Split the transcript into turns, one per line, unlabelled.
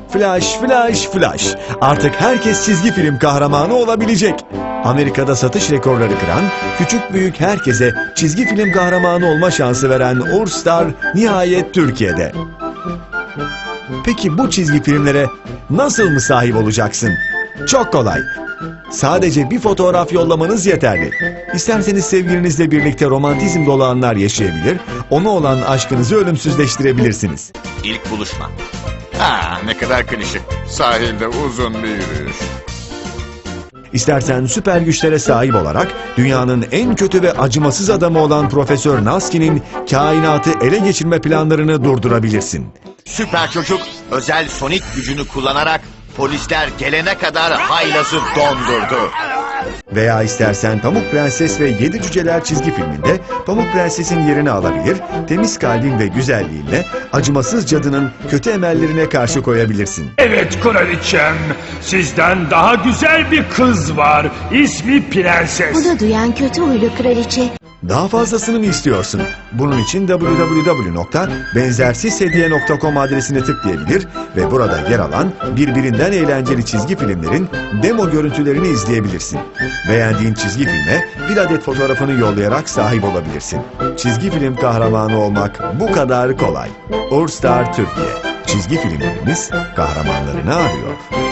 Flash, flash, flash. Artık herkes çizgi film kahramanı olabilecek. Amerika'da satış rekorları kıran, küçük büyük herkese çizgi film kahramanı olma şansı veren Urstar nihayet Türkiye'de. Peki bu çizgi filmlere nasıl mı sahip olacaksın? Çok kolay. Sadece bir fotoğraf yollamanız yeterli. İsterseniz sevgilinizle birlikte romantizm dolu anlar yaşayabilir, ona olan aşkınızı ölümsüzleştirebilirsiniz.
İlk buluşma.
Ne kadar klişe. Sahilde uzun bir yürüyüş.
İstersen süper güçlere sahip olarak dünyanın en kötü ve acımasız adamı olan Profesör Nasky'nin kainatı ele geçirme planlarını durdurabilirsin.
Süper çocuk özel sonik gücünü kullanarak polisler gelene kadar haylazı dondurdu.
Veya istersen Pamuk Prenses ve Yedi Cüceler çizgi filminde Pamuk Prenses'in yerini alabilir, temiz kalbin ve güzelliğinle acımasız cadının kötü emellerine karşı koyabilirsin.
Evet kraliçem, sizden daha güzel bir kız var. İsmi Prenses.
Bunu duyan kötü huylu kraliçe
Daha fazlasını mı istiyorsun? Bunun için www.benzersizhediye.com adresine tıklayabilir ve burada yer alan birbirinden eğlenceli çizgi filmlerin demo görüntülerini izleyebilirsin. Beğendiğin çizgi filme bir adet fotoğrafını yollayarak sahip olabilirsin. Çizgi film kahramanı olmak bu kadar kolay. Urstar Türkiye. Çizgi filmlerimiz kahramanlarını arıyor.